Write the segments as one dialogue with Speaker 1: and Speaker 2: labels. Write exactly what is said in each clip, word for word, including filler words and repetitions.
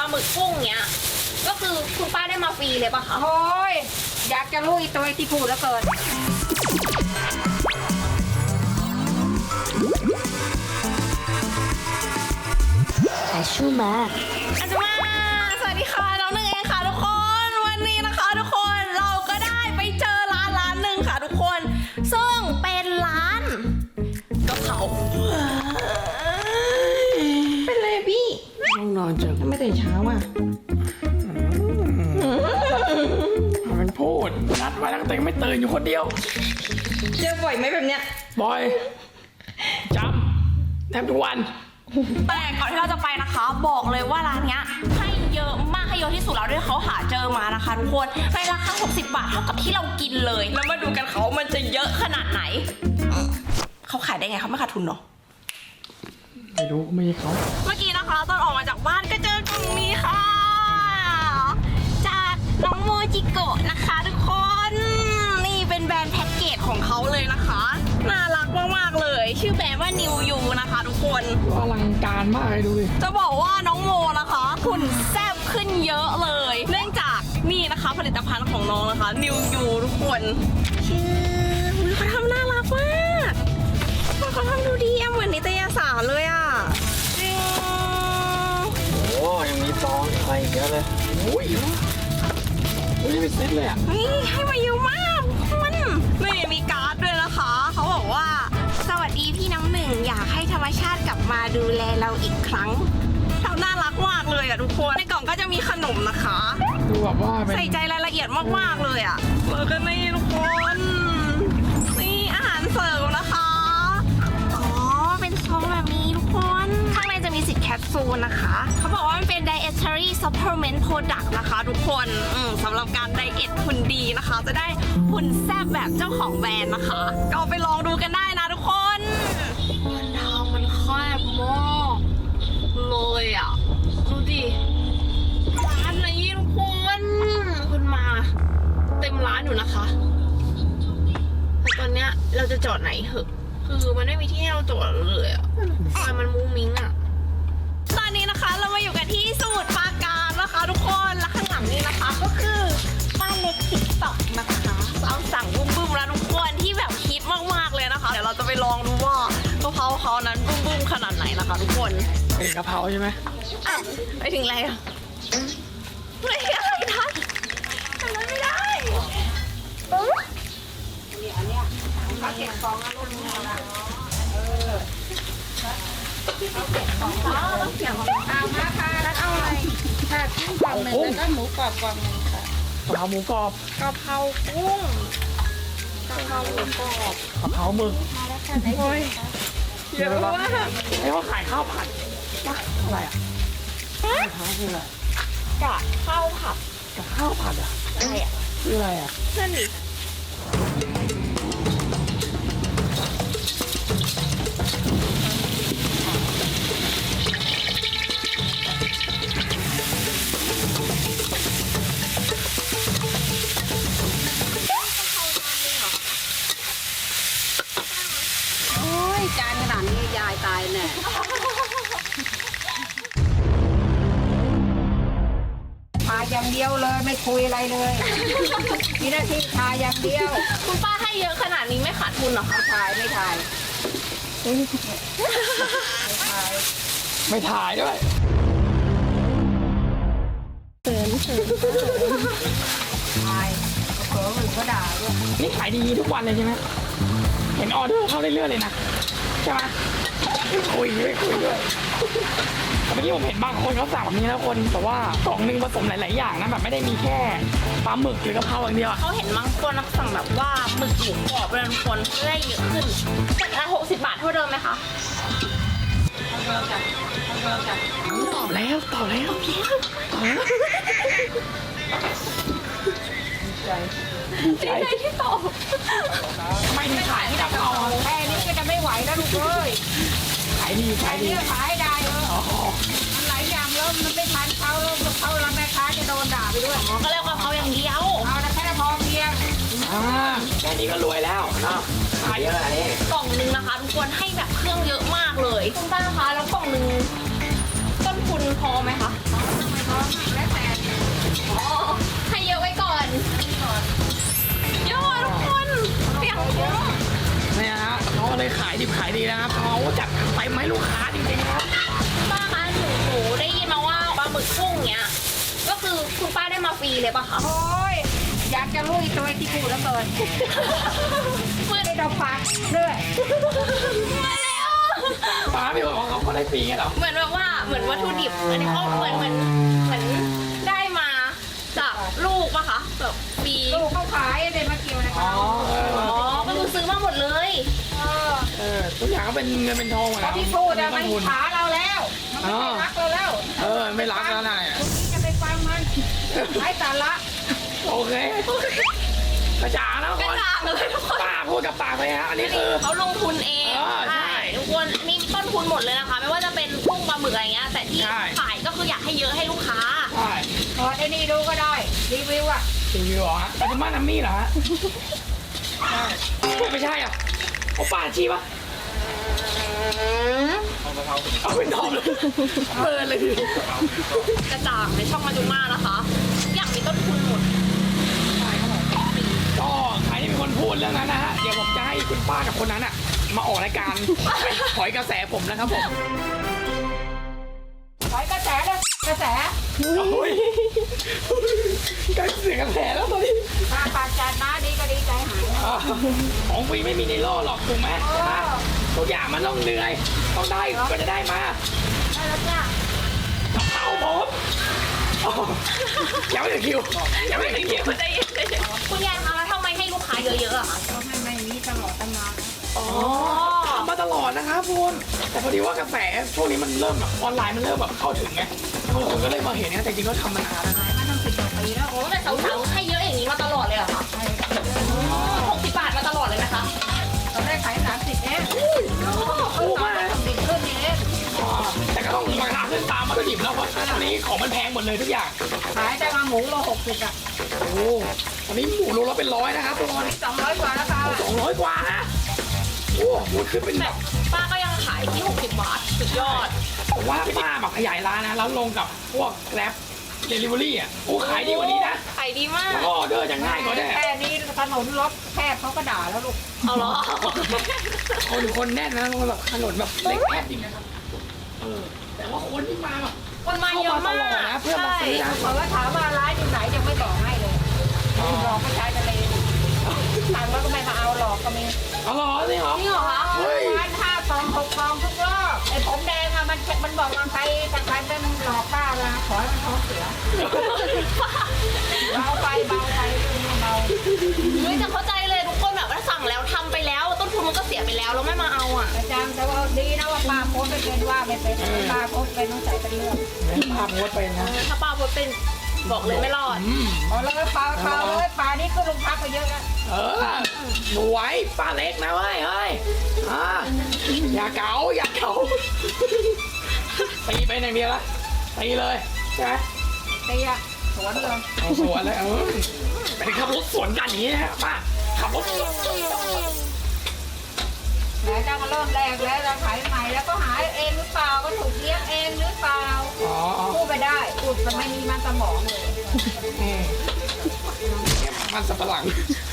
Speaker 1: ลาหมึกกุ้งเนี้ยก็คือคุณป้าได้มาฟรีเลยป่ะคะ
Speaker 2: โอ้ยอยากจะรู้อีตัวที่พูดแล้วเกิน
Speaker 3: อาชูมา
Speaker 1: อาจารย์สวัสดีค่ะน้องหนึ่งเองค่ะทุกคนวันนี้นะคะทุกคนเราก็ได้ไปเจอร้านร้านหนึ่งค่ะทุกคนซึ่งเป็นร้านกะเพราเป็นเลยพี่
Speaker 4: ห้องนอนจัง
Speaker 2: ไม่ตื่นเช้าอ่ะ
Speaker 4: มันพูดนัดไว้ตั้งแต่ไม่ตื่นอยู่คนเดียว
Speaker 1: เจอบ่อยไหมแบบเนี้ย
Speaker 4: บอยจำแทบทุกวัน
Speaker 1: แต่ก่อนที่เราจะไปนะคะ บอกเลยว่าร้านเนี้ยให้เยอะมากให้เยอะที่สุดแล้วด้วยเขาหาเจอมานะคะทุกคนในราคาหกสิบบาทเท่ากับที่เรากินเลยแล้วมาดูกันเขามันจะเยอะขนาดไหนอืมเขาขายได้ไงเขาไม่ขาดทุนเนาะ
Speaker 4: ไม่รู้ไม่ใช่เขา
Speaker 1: เมื่อกี้นะคะตอนออกมาจากบ้านก็เจอกล่องนี้ค่ะ จากน้องโมจิโกะนะคะทุกคนนี่เป็นแบรนด์แพ็กเกจของเขาเลยนะคะน่ารักมากๆเลยชื่อแบรนด์ว่า New You นะคะทุกคน
Speaker 4: อลังการมากเลยดูดิ
Speaker 1: จะบอกว่าน้องโมนะคะหุ่นแซ่บขึ้นเยอะเลย เนื่องจากนี่นะคะผลิตภัณฑ์ของน้องนะคะ New You ทุกคนชื่ออุ๊ยเขาทำน่ารักมากเขาทำดูดีอะเหมือนนิตยสารเลยอะจริง
Speaker 4: โอ้ยังมีซองอะไรอีกเยอะเลยโอ้ยโอ้ยเป็นเซตเลยอ่ะ
Speaker 1: นี่ให้มาเยอะมากมันนี่มีการ์ดด้วยนะคะ เขาบอกว่าสวัสดีพี่น้ำหนึ่งอยากให้ธรรมชาติกลับมาดูแลเราอีกครั้งเราน่ารักมากเลยอะทุกคนในกล่องก็จะมีขนมนะคะ
Speaker 4: ดูแบบว่าเป็น
Speaker 1: ใส่ใจรายละเอียดมากๆเลยอะแล้วก็นี่ทุกคน นี่อาหารเสริมนะคะ อ๋อ เป็นซองแบบนี้ทุกคน ข้างในจะมีสิทธิ์แคปซูลนะคะ เขาบอกว่ามันเป็น dietary supplement product นะคะทุกคนอืมสำหรับการไดเอทหุ่นดีนะคะ จะได้หุ่นแซ่บแบบเจ้าของแบรนด์นะคะ ก็ไปลองดูกันได้นะทุกคนมันทางมันแคบมากเลยอ่ะ ดูดิ ร้านนี้ทุกคนคุณมาเต็มร้านอยู่นะคะแต่ตอนเนี้ยเราจะจอดไหนเหอะคือมันไม่มีที่ให้เราจอดเลยอะซอยมันมุ้งมิ้งอะตอนนี้นะคะเรามาอยู่กันที่สมุทรปราการนะคะ ทุกคนและข้างหลังนี้นะคะก็คือบ้านเล็กติ๊กต็อกนะคะเอาสั่งบุ้มบุ้มแล้วทุกคนที่แบบฮิตมากๆเลยนะคะเดี๋ยวเราจะไปลองดูว่ากะเพราเขานั้นบุ้มบุ้มขนาดไหนนะคะ ทุกคน
Speaker 4: เป็นกะเพราใช่ไหม
Speaker 1: อ่ะไปถึงอะไรอะไม่อะไรทันทำไม่ได้เขาเก็บของนะลูกนี่นะเออเขาเก็บของเขาเก็บของเอามาค่ะแล้วเอาอะไรค่ะกุ้งกล่องหนึ่งแล้วก็หมูกรอบกล่องหนึ่งค่ะ
Speaker 4: กะเพราหมูกรอบ
Speaker 1: กะเพรากุ้งกะเพราหมูกรอบ
Speaker 4: กะเพราหมึก
Speaker 1: โอ้ยเยอะมาก
Speaker 4: ไอ้เขาขายข้าวผัดปะอะไรอ่ะข้าวผัดคืออะไร
Speaker 1: กะข้าวผัด
Speaker 4: กับข้าวผัดอ่ะ
Speaker 1: อะไรอ่ะ
Speaker 4: คืออะไรอ่ะ
Speaker 1: นั่นดิ
Speaker 2: โอ้ยจานขนาดนี้ยายตายแน่ทาอย่างเดียวเลยไม่คุยอะไรเลยมีหน้าที่ทาอย่างเดียว
Speaker 1: คุณป้าให้เยอะขนาดนี้ไม่ขาดทุนเหรอคะ
Speaker 2: ถ่ายไม่ถ่าย
Speaker 4: ไม่ถ่ายด้วย
Speaker 2: ถ่ายเผลอหรือก็ด่าด้วย
Speaker 4: นี่ขายดีทุกวันเลยใช่ไหมเห็นออเดอร์เข้าเรื่อยๆเลยนะใช่ไหมไม่คุยไม่คุยด้วยแต่เมื่อกี้ผมเห็นบางคนเขาสั่งแบบนี้แล้วคนแต่ว่ากล่องหนึงผสมหลายๆอย่างนะแบบไม่ได้มีแค่ปลาหมึกหรือกะเพราอย่างเดียวอะ
Speaker 1: เขาเห็นบางคนสั่งแบบว่าหมึกหมูกรอบเป็นคนได้เยอะขึ้นแต่หกสิบบาทเท่าเดิมไหมคะ
Speaker 4: ตอบแล้วตอบแล้วตอบแล้ว
Speaker 1: ใจที่ตอบ
Speaker 4: ทำไมถึงขายที่กะเพราอะ
Speaker 2: แค่นี้ก็จะไม่ไหวแล้วลูกเอ้ย
Speaker 4: ขายดีขายดี
Speaker 2: เรื่องขายได้เออ
Speaker 4: อ๋อ
Speaker 2: มันหลายอย่างแล้วมันไม่ทันเขาแล้วเขาแล้วแม่ค้าจะโดนด่าไปด้วย
Speaker 1: ก็เรียกว่าเขาอย่างเดียว
Speaker 2: เอาแต่แค่พอเพียง
Speaker 4: อ่าแค่นี้ก็รวยแล้วเนาะขายเยอะอันนี้
Speaker 1: กล่องหนึงนะคะทุกคนให้แบบเครื่องเยอะมากเลยคุณป้าคะแล้วกล่องหนึงต้นทุนพอไหมคะ
Speaker 2: พอ
Speaker 1: กกุ้งเนี้ยก็คือคุณป้าได้มาฟรีเลยปะคะ
Speaker 2: โอ้ยอยากจะลุยตัวที่พูดแล้วเกินไม่ได้ดอกฟังด้วย
Speaker 1: มาแล้ว
Speaker 4: ป้าไม่บอกว่าเขาเขาได้ฟรีไงเหรอ
Speaker 1: เหมือนแบบว่าเหมือนวัตถุดิบอันนี้เขาเหมือนเหมือนเหมือนได้มาจากลูกปะคะแบบฟรี
Speaker 2: ลูกเขาขายเดนมาเกียวนะ
Speaker 4: อ๋
Speaker 2: คะ
Speaker 4: อเออ
Speaker 1: อ๋อก็คือซื้อมาหมดเลย
Speaker 2: เออ
Speaker 4: เออทุกอย่างก็เป็นเงินเป็นทองหมด
Speaker 2: แล้
Speaker 4: แล้ว ว
Speaker 2: ที่พูดอะมัน
Speaker 4: ทุน
Speaker 2: ขาเราแล้ว มันไม่ได้รักเราแล้ว
Speaker 4: เออไม่รักแล้วนะเนี่ย
Speaker 2: พรุ่งนี้จะไปฟังมันไร้สาระ
Speaker 4: โอเคกระจ่างแล้ว
Speaker 1: ก
Speaker 4: ค
Speaker 1: ระ
Speaker 4: น
Speaker 1: จ่างเลยทุกคน
Speaker 4: ป้าพูดกับปากไปฮะอันนี้คือ
Speaker 1: เขาลงทุนเอง
Speaker 4: เออใช่
Speaker 1: ทุกคนมีต้นทุนหมดเลยนะคะ ไม่ว่าจะเป็นกุ้งปลาหมึกอะไรเงี้ย แต่ที่
Speaker 4: ใช่
Speaker 1: ขายก็คืออยากให้เยอะให้ลูกค้า
Speaker 4: ใช่
Speaker 2: เปิดไอ้นี่ดูก็ได้ รีวิวอะ
Speaker 4: รีวิวเหรอฮะปัจจุบันน้ำมี่เหรอฮะไม่ใช่อ่ะเอาป้าชีปะเอาเป็นทอมเลยเปิดเลยที
Speaker 1: กระจ่างในช่องมาจุมานะคะทุกอย่างมีต้นทุนหมด
Speaker 4: ก็ใครที่เป็นคนพูดเรื่องนั้นนะฮะเดี๋ยวผมจะให้คุณป้ากับคนนั้นอ่ะมาออกรายการถอยกระแสผมนะครับผม
Speaker 2: ถอยกระแสเลยกระแส
Speaker 4: โอ้ยกลายเสียงกระแสแล้วตอนนี้
Speaker 2: ปากปากจัดมาดีก็ดีใจหาย
Speaker 4: อ่าของฟรีไม่มีในโลกหรอกถูกไหมใช่ไหมทุกอย่างมันต้องเหนื่อยต้องได้ก็จะได้มา
Speaker 2: ได้แล้วจ้า
Speaker 4: เอาผมอ๋อยังไม่ถึงคิวยังไม่ถึงคิว
Speaker 1: ใจเย็นใจเย็นคุณยายคะแล้วทำไมให้ลูกค้าเยอะๆอะคะ
Speaker 2: ก็ให้ไม่มีตลอดตั้งนาน
Speaker 4: อ๋อทำมาตลอดนะครับคุณแต่พอดีว่ากระแสช่วงนี้มันเริ่มแบบออนไลน์มันเริ่มแบบเข้าถึงไงคนก็เลยมาเห็นนะแต่จริงๆก็ทำมานานแล้วนะ
Speaker 2: ขายมาตั้งสิบกว่าปีแล้ว
Speaker 1: โอ้แต่สาวๆให้เยอะอย่างนี้มาตลอดเลยเหรอคะ
Speaker 2: ใช่
Speaker 1: หกสิบบาทมาตลอดเลยนะคะ
Speaker 2: ตอนแรกขายสามสิบเอง
Speaker 4: ถูกมาก
Speaker 2: ทำดิบขึ้นนี่เอง
Speaker 4: อ๋อแต่ก็ต้องราคาขึ้นตามวัตถุดิบแล้วเพราะตอนนี้ของมันแพงหมดเลยทุกอย่าง
Speaker 2: ขายแต่มาหมูโลหกสิบอะ
Speaker 4: โอ้ตอนนี้หมูโลละเป็นร้อยนะครับทุกคน
Speaker 2: สองร้อยกว่าแล้วค่ะ
Speaker 4: สองร้อยกว่านะโอ้หมูขึ้นเป็นแบ
Speaker 1: แต่
Speaker 4: บ
Speaker 1: ป้าก็ยังขายที่หกสิบบาทสุดยอด
Speaker 4: ผมว่าป้าแบบขยายร้านนะแล้วลงกับพวกแกร็บเดลิเวอรี่อ่ะโอ้ขายดีกว่านี้นะ
Speaker 1: ขายดีมาก
Speaker 4: แล้วก็ออเดอร์จะง่ายกว่าได้
Speaker 2: แค่นี้ถนนรถแคบเขาก็ด่าแล้วลูก
Speaker 1: เอาเหรอ
Speaker 4: คนคนแน่นนะแบบถนนแบบเล็กแคบจริงนะครับเออแต่ว่าคนที่มาแบบ
Speaker 1: คนมาเยอะมาก
Speaker 4: เข้ามาตลอดนะเพื่อมาซื้อนะ
Speaker 2: เขาก็ถามว่าร้านอยู่ไหนยังไม่บอกให้เลยหลอกผู้ชายทะเลสั่งแล้วก็ไม่มาเอาหลอกก็มี
Speaker 4: เอาเหรอจริงเหรอ
Speaker 1: จริงเหรอคะ
Speaker 4: เฮ้ย
Speaker 2: ร้านห้าซองหกซองทุกรอบไอ้ผมแดงอะมันมันบอกว่าใครถ้าใครเป็นหลอกป้านะขอให้มันท้องเสียเบาไปเบาไปเบา
Speaker 1: เฮ้ยแต่เข้าใจเลยทุกคนแบบว่าสั่งแล้วทำไปแล้ว ต้นทุนมันก็เสียไปแล้วเราไม่มาเอาอ่ะ
Speaker 2: อาจารย์แต่ว่าดีนะว่าป้าโพสไม่เป็นว่าไม่เป็นป้าโพสเป็นต้องใส่เป็นเรื่อง
Speaker 4: ภาพโพสต์ไปนะ
Speaker 1: ถ้าป้าพูดเป็นบอกเลยไม่รอด
Speaker 4: อืม
Speaker 2: เอาเลยเปล่าเปล่าเลยป่านี้ก็ลงพักไปเยอะแล้ว
Speaker 4: เออหนูไว้ป้าเล็กนะเว้ยเฮ้ยอ่าอย่าเก๋าอย่าเก๋าตีไปอย่างเดียวละตีเลยใช่ไหม
Speaker 2: เตี้ยสวนเลย
Speaker 4: เอาสวนเลยเออเป็นขับรถสวนกันอย่างนี้นะฮะป้าขับรถสวน
Speaker 2: ไหนจะมาเริ่มแรกแล้วเราขายใหม่แล้วก็หาเองหรือเปล่าก็ถูกเลี้ยงเองหรือเปล่า
Speaker 4: อ๋ออ๋อ
Speaker 2: พูดไปได้พูดแต่ไม่มีมันสมองเลย
Speaker 4: อืมมันสับปะหลัง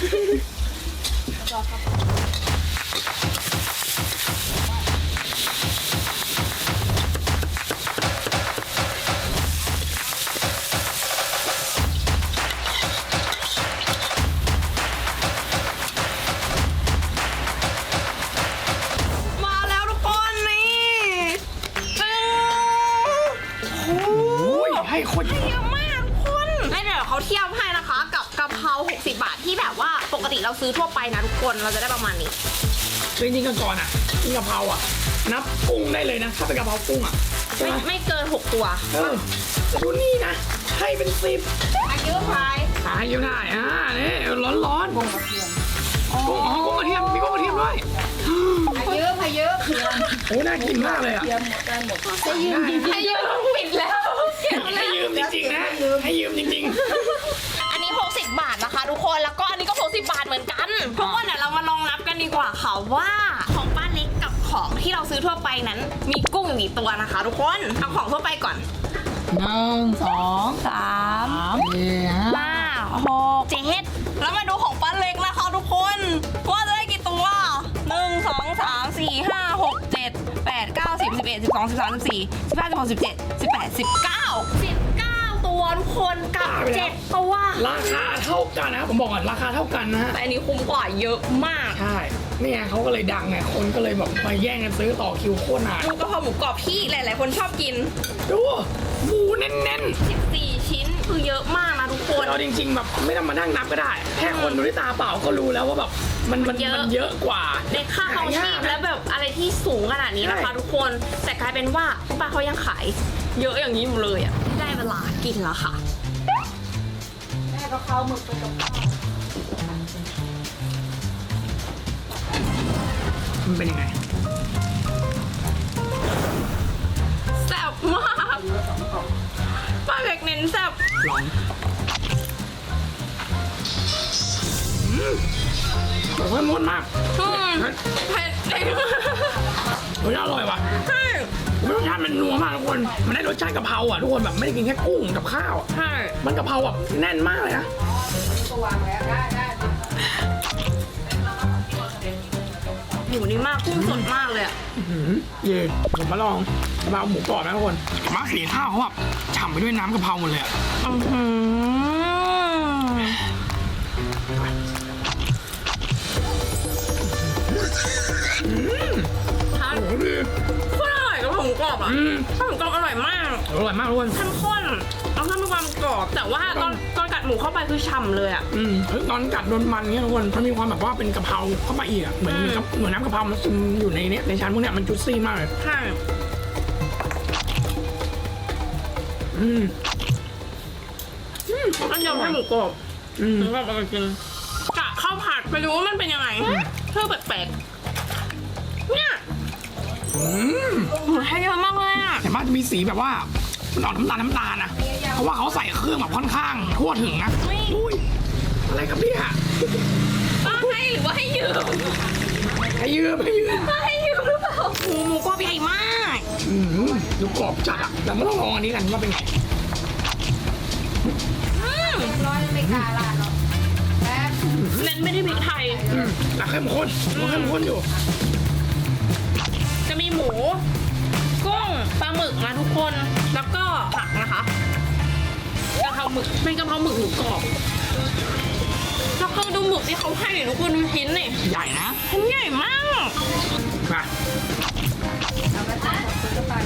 Speaker 1: มาแล้วทุกคนนี่จึง
Speaker 4: โอ้ยให้คนเย
Speaker 1: เย
Speaker 4: อะ
Speaker 1: อะมากทุกคนให้เดี๋ยวเขาเทียบให้นะคะ กับกะเพราหกสิบบาทที่แบบว่าปกติเราซื้อทั่วไปนะทุกคนเราจะได้ประมาณนี้
Speaker 4: จริงๆกันก่อนอ่ะกินกะเพราอ่ะ นับกุ้งได้เลยนะ ถ้าเป็นกะเพรากุ้งอ่ะใช่
Speaker 1: ไม่
Speaker 4: ไหม
Speaker 1: ไม่เกินหกตัว
Speaker 4: เออแต่ดูนี่นะ ให้เป็นสิบ
Speaker 2: อายุพาย
Speaker 4: ขายอยู่ได้อ่านี่ร้อนร้อนๆกุ้ง
Speaker 2: กระเทียม
Speaker 4: อ๋อกุ้งกระเทียม มีกุ้งกระเทียมด้วย
Speaker 2: อายุพายุเทียม
Speaker 4: โอ้น่ากินมากเลยอ่ะ
Speaker 2: เทียมหมดได้หมด
Speaker 4: จะยืม
Speaker 1: ให้ยืมปิดแล้ว
Speaker 4: ให้ยืมจริงๆนะ ให้ยืมจริง
Speaker 1: อันนี้หกสิบบาทนะคะทุกคน แล้วก็อันนี้ก็หกสิบบาทเหมือนกัน ทุกคนเดี๋ยวเรามาลองนับกันดีกว่าค่ะว่าของป้าเล็กกับของที่เราซื้อทั่วไปนั้น มีกุ้งอยู่กี่ตัวนะคะ ทุกคน เอาของทั่วไปก่อน
Speaker 4: หนึ่งสอง
Speaker 1: สาม
Speaker 4: สี่ห้า
Speaker 1: ห้าหกเจ็ดแล้วมาดูของป้าเล็กนะคะทุกคนว่าจะได้กี่ตัวหนึ่งสองสามสี่ห้าหกเจ็ดแปดเก้าสิบสิบเอ็ดสิบสองสิบสามสิบสี่สิบห้าสิบหกสิบเจ็ดสิบแปดสิบเก้าสิบทุกคนกับเจ็ดตัว
Speaker 4: ราคาเท่ากันนะครับผมบอกก่อนราคาเท่ากันนะฮะ
Speaker 1: แต่อันนี้คุ้มกว่าเยอะมาก
Speaker 4: ใช่นี่ไงเขาก็เลยดังไงคนก็เลยแบบมาแย่งกันซื้อต่อคิวโคตรนาน
Speaker 1: ดูกะเพราหมูกรอบที่หลาย ๆ คนชอบกิน
Speaker 4: ดูหมูแน่น
Speaker 1: สิบสี่ ชิ้นคือเยอะมากนะทุกค
Speaker 4: ๆ
Speaker 1: น
Speaker 4: เราจริงๆแบบไม่ต้องมานั่งนับก็ได้ แค่คนดูด้วยตาเปล่าก็รู้แล้วว่าแบบมันมัน
Speaker 1: เยอะ
Speaker 4: มันเยอะกว่า
Speaker 1: ในค่าครองชีพและแบบอะไรที่สูงขนาดนี้นะคะ
Speaker 4: ใช่
Speaker 1: ทุกคนแต่กลายเป็นว่าป้าเขายังขายเยอะอย่างนี้อยู่เลยอ่ะได้เวลากินแล้วค่ะ
Speaker 2: แม่ก็เข้าหมึกไปกับข้าว
Speaker 4: มันเป็นยังไง
Speaker 1: แซ่บมากป้าเล็กเน้นแซ่บ
Speaker 4: ลองอืมแต่ว่ามันมาก
Speaker 1: อืมเผ็ดเอง
Speaker 4: รสชาติอร่อยว่ะ
Speaker 1: ใช่
Speaker 4: รสชาติมันนัวมากทุกคน มันได้รสชาติกะเพราอ่ะทุกคนแบบไม่ได้กินแค่กุ้งกับข้าวอะ
Speaker 1: ใช่
Speaker 4: มันกะเพราแบบแน่นมากเลยนะ
Speaker 2: ก็วางแล้วได้ได้
Speaker 1: หมูนี่มากกุ้งสดมากเลยอ่ะ
Speaker 4: อื้อหือเย่ผมมาลองกะเพราหมูกรอบนะทุกคนมาสีข้าวเขาแบบฉ่ำไปด้วยน้ำกะเพราหมดเลยอะ
Speaker 1: อื้อหือทาน
Speaker 4: โอ้โหดี
Speaker 1: โคตรอร่อยกับหมูกรอบอ่ะ
Speaker 4: อืม
Speaker 1: ข้าวหมูกรอบอร่อยมาก
Speaker 4: อร่อยมากทุกคน
Speaker 1: เข้มข้นแล้วก็มีความกรอบ แต่ว่าตอนตอนกัดหมูเข้าไปคือฉ่ำเลยอ่ะ
Speaker 4: อืมเฮ้ยตอนกัดโดนมันเนี้ยทุกคนมันมีความแบบว่าเป็นกะเพราเข้ามาอีกอะเหมือน
Speaker 1: อืม
Speaker 4: เหมือนน้ำกะเพรามันซึมอยู่ในเนี้ยในชั้นพวกเนี้ยมันจุดซี่มากเลย
Speaker 1: ใช่
Speaker 4: อืม
Speaker 1: อันเดียวให้หมูกรอบ
Speaker 4: อืม
Speaker 1: หมูกรอบอร่อยจริงกะข้าวผัดไปดูว่ามันเป็นยังไงเพื่อแปลกๆเนี่ย
Speaker 4: อืม
Speaker 1: หมูให้เยอะมากเลยอ่ะ
Speaker 4: แต่บ้านจะมีสีแบบว่ามันออกน้ำตาลน้ำตาลนะเพราะว่าเขาใส่เครื่องแบบค่อนข้างทั่วถึงนะอุ้ยอะไรครับเนี่ย
Speaker 1: ป้าให้หรือว่าให้ยืม
Speaker 4: ให้ยืมให้ยืม
Speaker 1: ป้าให้ยืมหรือเปล่าหมูหมูกรอบใหญ่มาก
Speaker 4: อืมดูกรอบจัดอะแต่ไม่ต้องลองอันนี้กันว่าเป็นไง
Speaker 1: อืม
Speaker 2: ร้อยไม่กล้าลาดหรอกแป๊บ
Speaker 1: เน้นไม่ได้พริกไทย
Speaker 4: อืมแต่เข้มข้นดูเข้มข้นอยู่
Speaker 1: จะมีหมู กุ้งปลาหมึกนะทุกคน แล้วก็ผักนะคะกะเพราหมึกเป็นกะเพราหมึกหมูกรอบแล้วก็ดูหมึกที่เขาให้ดิทุกคนดูชิ้นนี่
Speaker 4: ใหญ่นะ
Speaker 1: ชิ้นใหญ่มาก
Speaker 4: มา
Speaker 2: เอาไปตั้งหมดซื้อไป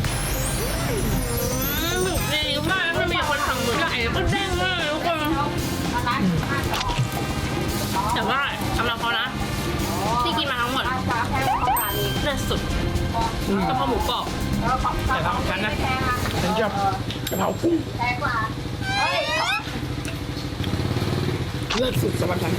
Speaker 1: อืมหมึกดีมากไม่มีคนทำหมึกใหญ่แล้วก็เด้งมากเลยทุกคน
Speaker 2: เอาร้านห้าจะออก
Speaker 1: แต่ว่าสำหรับเขานะที่กินมาทั้งหมด
Speaker 2: ร้านฟ้าแพงเขาร้านนี้
Speaker 1: เลิศสุด
Speaker 4: อืม
Speaker 1: กะเพราหมูกรอบ
Speaker 2: แล้วของ
Speaker 4: แต่ทำของฉันนะ
Speaker 2: ไม่แพงอ่ะ
Speaker 4: ฉันชอบกะเพรากุ้ง
Speaker 2: แพงกว่าเฮ้ย
Speaker 4: เลิศสุดสำหรับฉัน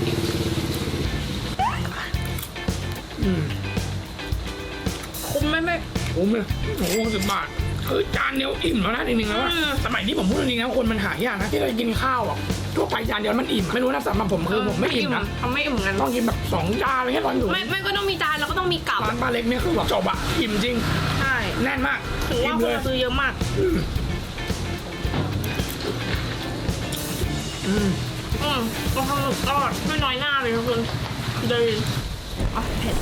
Speaker 4: อืม
Speaker 1: คุ้มไหมไม่
Speaker 4: โอ้โหโอ้โหสิบบาทคือจานเดียวอิ่มแล้วนะจริงๆแล้วว่า
Speaker 1: อืม
Speaker 4: สมัยนี้ผมพูดจริงๆนะคนมันหายากนะที่เรากินข้าวอ่ะทั่วไปจานเดียวมันอิ่มไม่รู้นะสำหรับผมคือผมไม่อิ่มนะ
Speaker 1: ทำไม่อิ่มกัน
Speaker 4: ต้องกินแบบสองจานอะไรเงี้ยตอนอยู่
Speaker 1: ไม่ไม่ก็ต้องมีจานแล้วก็ต้องมีกับ
Speaker 4: ร้านป้าเล็กเนี่ยคือแบบจบอ่ะอิ่มจริง
Speaker 1: ใช่
Speaker 4: แน่นมาก
Speaker 1: ถือ
Speaker 4: อิ่
Speaker 1: ว่าม ค
Speaker 4: เล
Speaker 1: น
Speaker 4: ย
Speaker 1: มาซื้อเยอะมาก
Speaker 4: อืมอืม
Speaker 1: อืมกะเพราหมึกทอดไม่น้อยหน้าเลยทุกคนดีอ่ะเผ็ด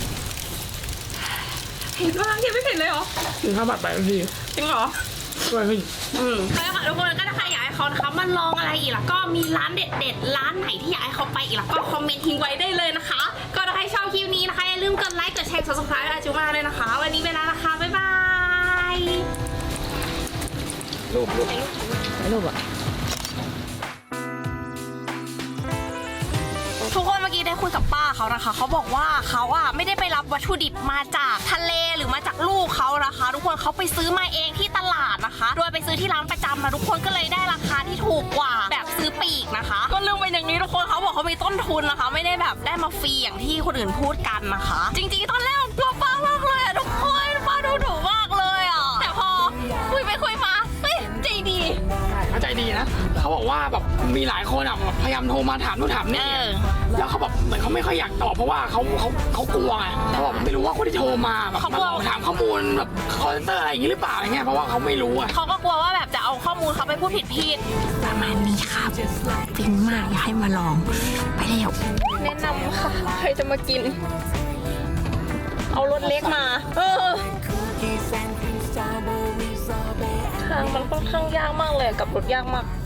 Speaker 1: เผ็ดมากยังไม่เผ็ดเลยเหรอ
Speaker 4: กินข้าวผัดไปทันที
Speaker 1: จริงเหรอ
Speaker 4: ช่วยขึ้น
Speaker 1: อืมใช่ค่ะทุกคนก็ถ้าใครอยากให้เขานะคะมาลองอะไรอีกแล้วก็มีร้านเด็ดๆร้านไหนที่อยากให้เขาไปอีกแล้วก็คอมเมนต์ทิ้งไว้ได้เลยนะคะ ก็ถ้าใครชอบคลิปนี้นะคะอย่าลืมกดไลค์กดแชร์ subscribe อาจูมาเลยนะคะ วันนี้ไปแล้วนะคะบ๊ายบาย
Speaker 4: รูปรูป
Speaker 1: รูปอะทุกคนเมื่อกี้ได้คุยกับป้าเขานะคะเขาบอกว่าเขาอะไม่ได้ไปรับวัตถุดิบมาจากทะเลหรือมาจากลูกเขานะคะ ทุกคนเขาไปซื้อมาเองที่ตลาดนะคะ โดยไปซื้อที่ร้านประจำมาทุกคนก็เลยได้ราคาที่ถูกกว่าแบบซื้อปีกนะคะ ก็เรื่องเป็นอย่างนี้ทุกคนเขาบอกเขามีต้นทุนนะคะ ไม่ได้แบบได้มาฟรีอย่างที่คนอื่นพูดกันนะคะ จริงๆตอนแรกกลัวป้ามากเลยอะทุกคนป้าดูถูกมากเลยอะแต่พอคุยไปคุยมาเฮ้ยใจดี
Speaker 4: เข้าใจดีนะเขาบอกว่าแบบมีหลายคนอ่ะแบบพยายามโทรมาถามนู่นถามนี่
Speaker 1: เออ
Speaker 4: แล้วเขาแบบเหมือนเขาไม่ค่อยอยากตอบเพราะว่าเขาเขาเขากลัวไงเขาบอกไม่รู้ว่าคนที่โทรมาแบบ
Speaker 1: เขากลัว
Speaker 4: มาหลอกถามข้อมูลแบบคอลเซนเตอร์อะไรอย่างงี้หรือเปล่าอะไรเงี้ยเพราะว่าเขาไม่รู้อ่ะ
Speaker 1: เขาก็กลัวว่าแบบจะเอาข้อมูลเขาไปพูดผิดผิดประมาณนี้ค่ะฟินมากอยากให้มาลองไปแล้วแนะนำค่ะใครจะมากิน เอารถเล็กมา เออทางมันค่อนข้างยากมากเลยกับรถยากมาก